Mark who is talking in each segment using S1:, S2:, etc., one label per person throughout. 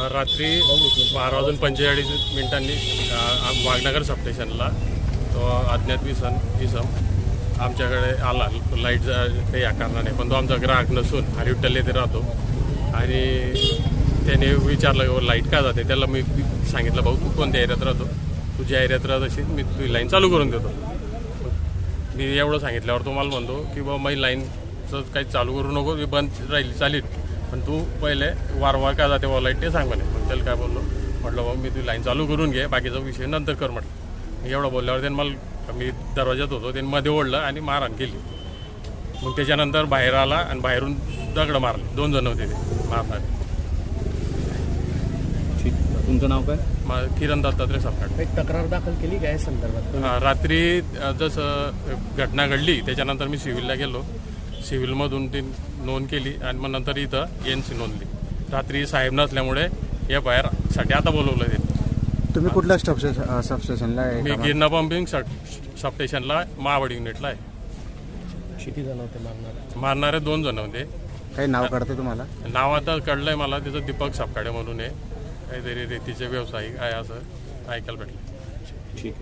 S1: रात्री 12:45 वाघनगर सबस्टेशनला तो अज्ञात इसम आमच्याकडे आला लाईट काही या कारणाने, पण तो आमचा ग्राहक नसून हरिविठ्ठल येथे राहतो. आणि त्याने विचारलं लाईट का जाते. त्याला मी सांगितलं, भाऊ तू कोणत्या एरियात राहतो, तुझ्या एरियात राहत असेल मी तुझी लाईन चालू करून देतो. मी एवढं सांगितल्यावर तो मला म्हणतो की बाबा माझी लाईनचं काही चालू करू नको, मी बंद राहील चालेल, पण तू पहिले वारंवार का जाते लाईट ते सांग म्हणे. मग त्याला काय बोललो, म्हटलं बाबा मी तुझी लाईन चालू करून घे, बाकीचा विषय नंतर कर म्हटलं. एवढं बोलल्यावर त्यानं मला, मी दरवाज्यात होतो, त्यांनी मध्ये ओढलं आणि मारहाण केली. मग त्याच्यानंतर बाहेर आला आणि बाहेरून दगड मारले. 2 जण होते ते मारणारे.
S2: तुमचं नाव काय?
S1: किरण दत्तात्रय सपकाळ.
S3: एक तक्रार दाखल केली काय संदर्भात?
S1: रात्री जसं घटना घडली त्याच्यानंतर मी सिव्हिलला गेलो, सिव्हिलमधून ती नोंद केली आणि मग नंतर इथं एनसी नोंदली. रात्री साहेब नसल्यामुळे FIR साठी आता बोलवलं ते.
S4: तुम्ही कुठल्या सबस्टेशनला आहे?
S1: मी गिरणा पंपिंग सबस्टेशनला महावड युनिटला आहे.
S3: किती जण होते
S1: मारणारे 2 जण होते.
S4: काही नाव काढते तुम्हाला?
S1: नाव आता कळलंय मला, त्याचं दीपक सपकाळे म्हणून आहे, काहीतरी रेतीचे व्यावसायिक आहे असं ऐकायला भेटलं.
S2: ठीक.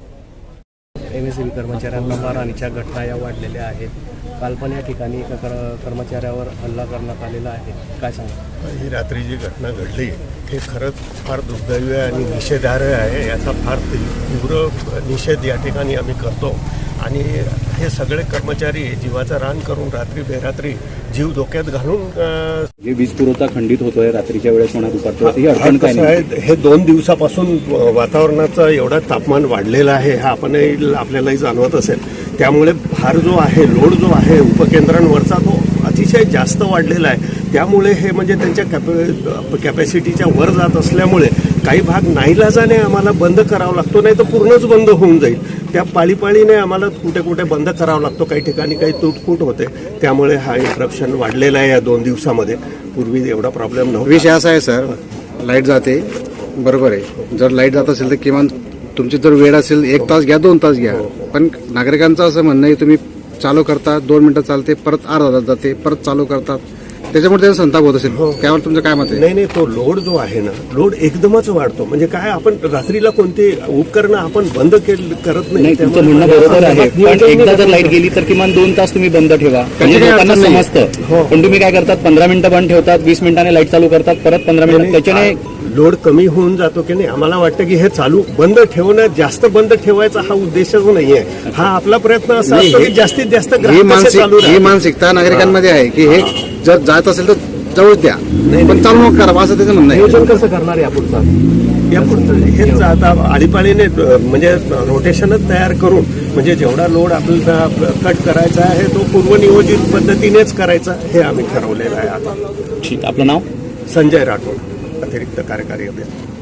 S3: MSEB कर्मचाऱ्यांना मारहाणीच्या घटना या वाढलेल्या आहेत. काल पण या ठिकाणी एका कर्मचाऱ्यावर हल्ला करण्यात आलेला आहे, काय सांगा?
S5: ही रात्री जी घटना घडली हे खरंच फार दुर्दैवी आणि निषेधार्ह आहे. याचा फार तीव्र निषेध या ठिकाणी आम्ही करतो. आणि हे सगळे कर्मचारी जीवाचा रान करून रात्री बेरात्री जीव धोक्यात घालून
S2: वीज पुरवठा खंडित होतोय रात्रीच्या वेळेस म्हणा दुपारच्या.
S5: हे 2 दिवसापासून वातावरणाचं एवढं तापमान वाढलेलं आहे, हा आपल्यालाही जाणवत असेल. त्यामुळे भार जो आहे, लोड जो आहे उपकेंद्रांवरचा तो अतिशय जास्त वाढलेला आहे. त्यामुळे हे म्हणजे त्यांच्या कॅपॅसिटीच्या वर जात असल्यामुळे काही भाग नाईलाजाने आम्हाला बंद करावा लागतो, नाही तर पूर्णच बंद होऊन जाईल. त्या पाळीपाळीने आम्हाला कुठे कुठे बंद करावा लागतो, काही ठिकाणी काही तुटफूट होते. त्यामुळे हा इंटरप्शन वाढलेला आहे या 2 दिवसामध्ये. पूर्वी एवढा प्रॉब्लेम नव्हता.
S4: विषय असा आहे सर, लाईट जाते बरोबर आहे. जर लाईट जात असेल तर किमान तुमची जर वेळ असेल 1 तास घ्या, 2 तास घ्या. पण नागरिकांचं असं म्हणणं आहे तुम्ही चालू करता, 2 मिनिटं चालते, परत अर्धा तास जाते, परत चालू करतात, त्याच्यामुळे त्यांचा संताप होत असेल. त्यावर तुमचं काय मत आहे?
S5: नाही, तो लोड जो आहे ना, लोड एकदमच वाढतो. म्हणजे काय, आपण रात्रीला कोणती उपकरणं आपण बंद करत नाही.
S2: तुमचं म्हणणं बरोबर आहे, पण एकदा जर लाईट गेली तर किमान 2 तास तुम्ही बंद ठेवा, म्हणजे लोकांना समजतं. पण तुम्ही काय करतात, 15 मिनिटं बंद ठेवतात, 20 मिनिटांनी लाईट चालू करतात, परत 15 मिनिटं, त्याच्याने
S5: लोड कमी होऊन जातो की नाही. आम्हाला वाटतं की हे चालू बंद ठेवणं, जास्त बंद ठेवायचा हा उद्देशच नाहीये. हा आपला प्रयत्न असा असतो की जास्तीत जास्त
S4: ही मानसिकता नागरिकांमध्ये आहे की हे जर जात असेल तर जवळ द्या, पण चालू नका करा, असं त्याचं म्हणणं आहे.
S3: नियोजन कसं करणार यापुढचं?
S5: हेच आता आळीपाळीने म्हणजे रोटेशनच तयार करून, म्हणजे जेवढा लोड आपल्याला कट करायचा आहे तो पूर्वनियोजित पद्धतीनेच करायचा, हे आम्ही ठरवलेलं आहे आता.
S2: ठीक. आपलं नाव?
S5: संजय राठोड, अतिरिक्त कार्यकारी अभियंता.